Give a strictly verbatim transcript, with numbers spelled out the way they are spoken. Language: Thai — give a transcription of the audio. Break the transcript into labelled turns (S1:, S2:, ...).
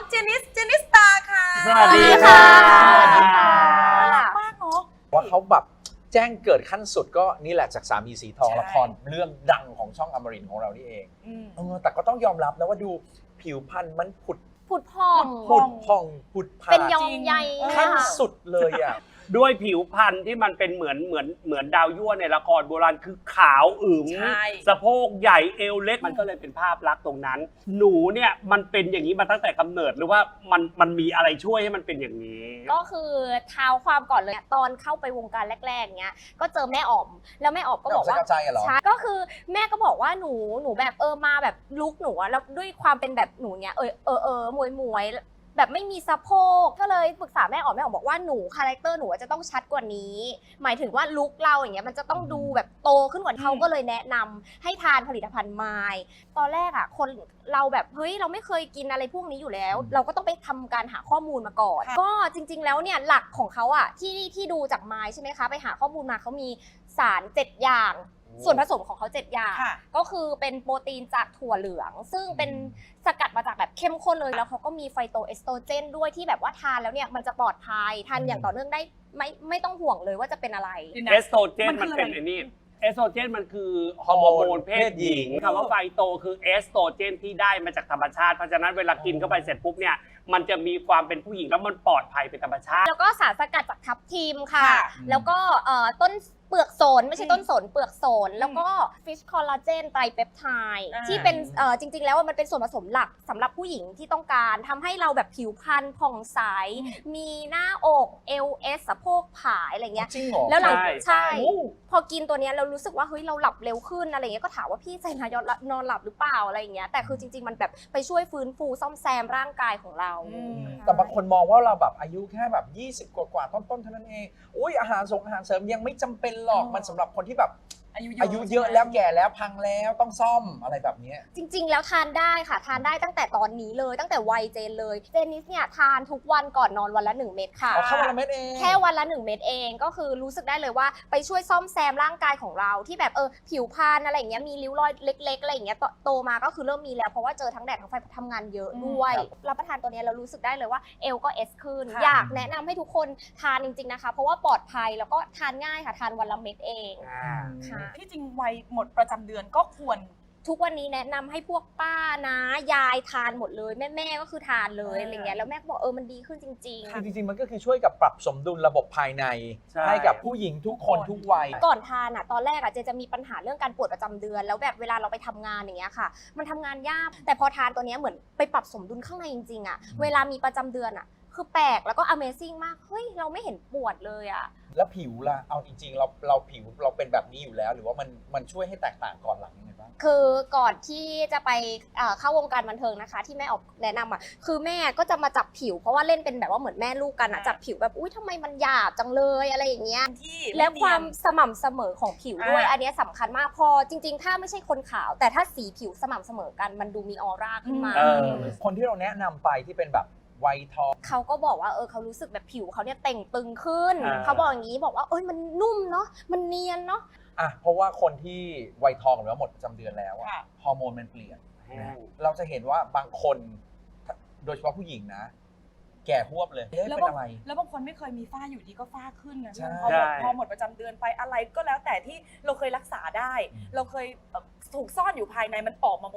S1: เจนิสเจนิสตาค่ะ
S2: สวัสดีค่ะสวัสดีค่ะ
S1: น่ารักมากเนาะ
S3: ว่าเขาแบบแจ้งเกิดขั้นสุดก็นี่แหละจากสามีสีทอง
S1: ใช่
S3: ละครเรื่องดังของช่องอมรินทร์ของเรานี่เอง
S1: อืม
S3: เออแต่ก็ต้องยอมรับนะว่าดูผิวพรรณมันผุด
S4: ผุดพอง
S1: ผุ
S3: ผุ
S1: ด
S3: ดพองผุดผา
S4: เป็น
S3: ด
S4: ยองใย
S3: ขั้น
S4: ค่ะ
S3: สุดเลยอ่ะ
S2: ด้วยผิวพรรณที่มันเป็นเหมือนเหมือนเหมือนดาวยั่วในละครโบราณคือขาวอึ๋ม
S1: ใช่
S2: สะโพกใหญ่เอวเล็กมันก็เลยเป็นภาพลักษณ์ตรงนั้น หนูเนี่ยมันเป็นอย่างนี้มาตั้งแต่กำเนิดหรือว่ามันมันมีอะไรช่วยให้มันเป็นอย่างนี้
S4: ก็คือเท้าความก่อนเลยตอนเข้าไปวงการแรกๆเนี้ยก็เจอแม่อ๋อมแล้วแม่อ๋อมก็บอกว่า
S3: แม่อ๋อมสกัดใจอะเหรอ
S4: ใช่ก็คือแม่ก็บอกว่าหนูหนูแบบเออมาแบบลุกหนูอะแล้วด้วยความเป็นแบบหนูเนี้ยเออเออเออมวยมวยแบบไม่มีสะโพกก็เลยปรึกษาแม่อ๋อมแม่อ๋อมบอกว่าหนูคาแรคเตอร์หนูจะต้องชัดกว่านี้ หมายถึงว่าลุคเราอย่างเงี้ยมันจะต้องดูแบบโตขึ้นกว่าเขาก็เลยแนะนำให้ทานผลิตภัณฑ์ไมล์ตอนแรกอะคนเราแบบเฮ้ยเราไม่เคยกินอะไรพวกนี้อยู่แล้ว เราก็ต้องไปทำการหาข้อมูลมาก่อน
S1: ค่ะ
S4: ก็จริง ๆ แล้วเนี่ยหลักของเขาอะที่ที่ดูจากไมล์ใช่ไหมคะไปหาข้อมูลมาเขามีสารเจ็ดอย่าง ส่วนผสมของเขาเจ็ดอย่าง
S1: ค่ะ
S4: ก็คือเป็นโปรตีนจากถั่วเหลือง ซึ่งเป็นสกัดมาจากแบบเข้มข้นเลยแล้วเขาก็มีไฟโตเอสโตรเจนด้วยที่แบบว่าทานแล้วเนี่ยมันจะปลอดภัยทานอย่างต่อเนื่องได้ไม่ไม่ต้องห่วงเลยว่าจะเป็นอะไร
S2: เอสโตรเจน
S1: มั
S2: มัน น
S1: คือ
S2: เป็น
S1: อะไร
S2: ไอ้นี่เอสโตรเจนมันคือฮ
S3: ฮ
S2: อ
S3: อร์
S2: ร์
S3: โม
S2: โม
S3: น
S2: นเพศหญิง
S3: เพศหญิง
S2: คำว่าไฟโตคือเอสโตรเจนที่ได้มาจากธรรมชาติเพราะฉะนั้นเวลากินเข้าไปเสร็จปุ๊บเนี่ยมันจะมีความเป็นผู้หญิงแล้วมันปลอดภัยเป็นธรรมชาติ
S4: แล้วก็สารสกัดจากทับทิมค่ะ
S1: ค่ะ
S4: แล้วก็เอ่อต้นเปลือกโสนไม่ใช่
S1: อืม
S4: ต้นสนเปลือกโสน แล้วก็ฟิชคอลลาเจนไตรเปปไทด์
S1: อ่า
S4: ที่เป็นเอ่อจริง ๆ แล้วมันเป็นส่วนผสมหลักสำหรับผู้หญิงที่ต้องการทำให้เราแบบผิวพรรณผ่องใส มีหน้าอกเอวเอสสะโพกผายอะไรเงี้ย
S3: จริงเหรอ
S4: แล้วหลัง
S2: ใช่
S4: ใช่
S3: โอ้
S4: พอกินตัวเนี้ยเรารู้สึกว่าเฮ้ยเราหลับเร็วขึ้นอะไรเงี้ยก็ถามว่าพี่ใจนายนอนหลับหรือเปล่าอะไรอย่างเงี้ยแต่คือจริง ๆ มันแบบไปช่วยฟื้นฟูซ่อมแซมร่างกายของเรา
S1: อืม
S3: แต่บางคนมองว่าเราแบบอายุแค่แบบยี่สิบกว่าๆต้นๆเท่านั้นเองอุ้ยอาหารส่งอาหารเสริมยังไม่จำเป็นหรอก
S1: อ๋อ
S3: มันสำหรับคนที่แบบ
S1: อายุ
S3: อายุเยอะแล้วแก่แล้วพังแล้วต้องซ่อมอะไรแบบเนี้ย
S4: จริงๆ แล้วทานได้ค่ะทานได้ตั้งแต่ตอนนี้เลยตั้งแต่วัยเจนเลยเจนนิสเนี่ยทานทุกวันก่อนนอนวันละหนึ่งเม็ดค่ะ
S3: อ๋อแค่วันละเม็ดเอง
S4: แค่วันละหนึ่งเม็ดเองก็คือรู้สึกได้เลยว่าไปช่วยซ่อมแซมร่างกายของเราที่แบบเออผิวพรรณอะไรอย่างเงี้ยมีริ้วรอยเล็กๆอะไรอย่างเงี้ยโตโตมาก็คือเริ่มมีแล้วเพราะว่าเจอทั้งแดดทั้งไฟทำงานเยอะด้วย
S3: ครับ
S4: รับประทานตัวเนี้ยเรารู้สึกได้เลยว่าเอวก็เอสขึ้น
S1: ค่ะ
S4: อยากแนะนำให้ทุกคนทานจริงๆนะคะ เพราะว่าปลอดภัยแล้วก็ทานง่ายค่ะทานวันละเม็ดเองค่ะ
S1: ที่จริงวัยหมดประจำเดือนก็ควร
S4: ทุกวันนี้แนะนำให้พวกป้านะยายทานหมดเลยแม่แม่ๆก็คือทานเลย
S1: อ่า
S4: อะไรเงี้ยแล้วแม่ก็บอกเออมันดีขึ้นจริง
S3: คือจริงๆมันก็คือช่วยกับปรับสมดุลระบบภายใน
S2: ใช่
S3: ให้กับผู้หญิงทุกคนทุกวัย
S4: ๆ ก่อนทานอ่ะตอนแรกอ่ะเจจะมีปัญหาเรื่องการปวดประจำเดือน แล้วแบบเวลาเราไปทำงานอย่างเงี้ยค่ะ มันทำงานยากแต่พอทานตัวเนี้ยเหมือนไปปรับสมดุลข้างในจริงๆอ่ะเวลามีประจำเดือนอ่ะคือแปลกแล้วก็ Amazing มากเฮ้ยเราไม่เห็นปวดเลยอ่ะ
S3: แล้วผิวล่ะเอาจริงๆเราเราผิวเราเป็นแบบนี้อยู่แล้ว หรือว่ามันมันช่วยให้แตกต่างก่อนหลังยังไงบ้าง
S4: คือก่อนที่จะไปเอ่อเข้าวงการบันเทิงนะคะ ที่แม่ออกแนะนำอ่ะคือแม่ก็จะมาจับผิว เพราะว่าเล่นเป็นแบบว่าเหมือนแม่ลูกกันอ่ะ
S1: อ่า
S4: จับผิวแบบอุ้ยทำไมมันหยาบจังเลยอะไรอย่างเงี้ย
S1: ที่
S4: และความ
S1: ไเนียน
S4: สม่ำเสมอของผิวด้วย
S1: อ่า
S4: อันเนี้ยสำคัญมากพอจริง ๆ ถ้าไม่ใช่คนขาว แต่ถ้าสีผิวสม่ำเสมอกันมันดูมีออร่าขึ้นมา
S2: เออ
S3: คนที่เราแนะนำไปที่เป็นแบบวัยทอง
S4: เขาก็บอกว่าเออเขารู้สึกแบบผิวเขาเนี่ยเต่งตึงขึ้น
S2: อ่า
S4: เขาบอกอย่างนี้บอกว่าเอ้ยมันนุ่มเนาะมันเนียนเนาะ
S3: อ่ะเพราะว่าคนที่วัยทองหรือว่าหมดประจำเดือนแล้วอะ
S1: ค่ะ
S3: ฮอร์โมนมันเปลี่ยน
S2: แห้ง
S3: เราจะเห็นว่าบางคนโดยเฉพาะผู้หญิงนะ แก่หวบเลยเอ๊ะ
S1: แล้ว
S3: เป็น
S1: บาง
S3: อะไร
S1: แล้วบางคนไม่เคยมีฝ้าอยู่ดีก็ฝ้าขึ้นนะ
S3: ใช่
S1: พอหมดพอหมดประจำเดือนไปอะไรก็แล้วแต่ที่เราเคยรักษาได้
S3: อืม
S1: เราเคยเอ่อถูกซ่อนอยู่ภายในมันออกมาหมด